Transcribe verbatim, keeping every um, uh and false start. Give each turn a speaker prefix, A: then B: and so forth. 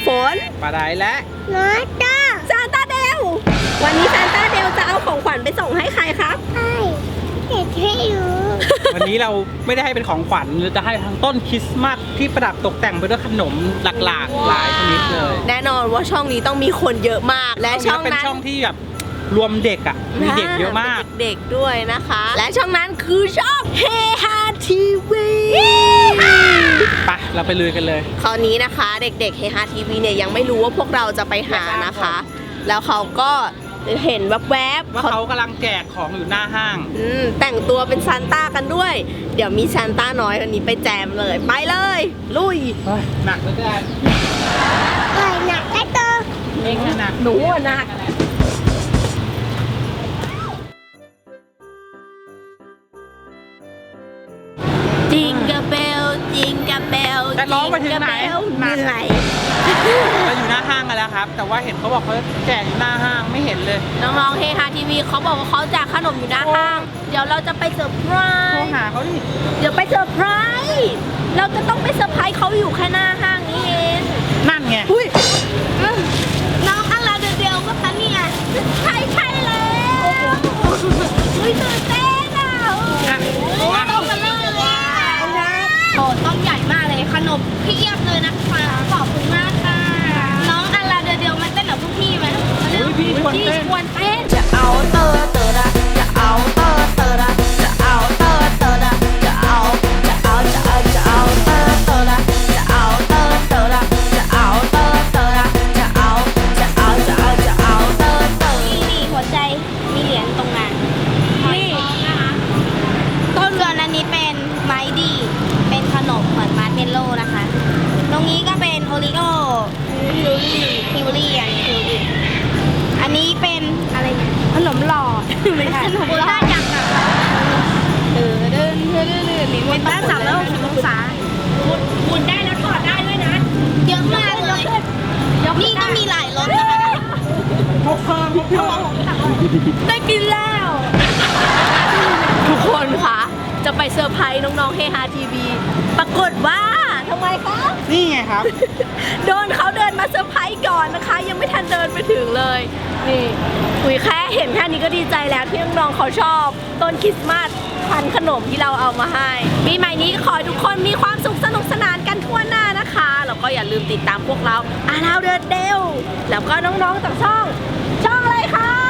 A: ฝน
B: ปลาไหลและ
A: น้อยจ้าซานต้าเดลวันนี้ซานต้าเดลจะเอาของขวัญไปส่งให้ใครครับใช่เด็กให้รู้
B: วันนี้เราไม่ได้ให้เป็นของขวัญเราจะให้ทั้งต้นคริสต์มาสที่ประดับตกแต่งไปด้วยขนมหลากๆหลายชนิดเลย
A: แน่นอนว่าช่องนี้ต้องมีคนเยอะมากและช่องนั้น
B: เป็นช่องที่แบบรวมเด็กอ่ะมีเด็กเยอะมาก
A: เด็กด้วยนะคะและช่องนั้นคือช่องเฮฮาทีวี
B: ไปเราไปลุยกันเลย
A: คราวนี้นะคะเด็กๆเฮฮาทีวีเนี่ยยังไม่รู้ว่าพวกเราจะไปหานะคะแล้วเขาก็เห็นแวบๆ
B: ว่าเขากำลังแจกของอยู่หน้าห้าง
A: แต่งตัวเป็นซานต้ากันด้วยเดี๋ยวมีซานต้าน้อยคนนี้ไปแจมเลยไปเลยลุย
B: หนักเลยแจ้
A: หนักได้ตัว
B: เองหนัก
A: หนูหนักจิงกับเบลจิงกับเบล
B: จะร้องไปถึงไหน
A: เหนื่อย
B: เราอยู่หน้าห้างกันแล้วครับแต่ว่าเห็นเขาบอกเขาแจกอยู่หน้าห้างไม่เห็นเลย
A: น้องๆเฮฮาทีวีเขาบอกว่าเขาแจกขนมอยู่หน้าห้างเดี๋ยวเราจะไปเซอร์ไพรส์
B: โทรหาเขาดิ
A: เดี๋ยวไปเซอร์ไพรส์เราจะต้องไปเซอร์ไพรส์เขาอยู่แค่หน้าห้างนี้เอง
B: นั่นไง
A: น้องอะไรเดียวก็คะเนี่ยใช่ใช่แล้วอุ้ยตื่นเต้นอ่ะโอ้ต้องกันเลยโอ้ต้องใหญ่มากเลยขนมเพียบเลยนะคะขอบคุณมากค่ะน้องอะไรเดียวมาเต้นกับพวกพี่ไหม
B: พี่ชวนเต้น
A: จะเอาเตอร์เตอร์ละจะเอาเตอร์เตอร์ละจะเอาเตอร์เตอร์ละจะเอาจะเอาจะเอาจะเอาเตอร์เตอร์ละจะเอาเตอร์เตอร์ละจะเอาเตอร์เตอร์ละจะเอาจะเอาจะเอาจะเอาเตอร์เตอร์นี่นี่หัวใจมีเหรียญตรงนั้นนี่นะคะต้นเรือนอันนี้เป็นไม้ดีเป็นขนมเหมือนมาร์เมลโล่นะคะตรงนี้ก็เป็นโอริโอคิวรี่คิวรี่อันนี้คิวรี่อันนี้เป็นอะไรเนี่ยขนมหลอดไม่ใช่ขนมหลอดจังอ่ะเดินเดินเดินเดินเดินเป็นด้านสามร้อยหกสิบองศาหมุนได้แล้วถอดได้ด้วยนะเยอะมากเลยนี่ก็มีหลายรสนะคะ
B: พกเพิ่มพกเพิ่ม
A: ได้กินแล้วทุกคนคะจะไปเซอร์ไพรส์น้องๆเฮฮาทีวีปรากฏว่าทำไมคะ
B: นี่ไงครับ
A: โดนเขาเดินมาเซอร์ไพรส์ก่อนนะคะยังไม่ทันเดินไปถึงเลยนี่อุ๋ยแค่เห็นแค่นี้ก็ดีใจแล้วที่น้องๆเขาชอบต้นคริสต์มาสพันขนมที่เราเอามาให้ปีใหม่นี้ขอให้ทุกคนมีความสุขสนุกสนานกันทั่วหน้านะคะแล้วก็อย่าลืมติดตามพวกเราอาราเดอร์เดลแล้วก็น้องๆจากช่องช่องอะไรคะ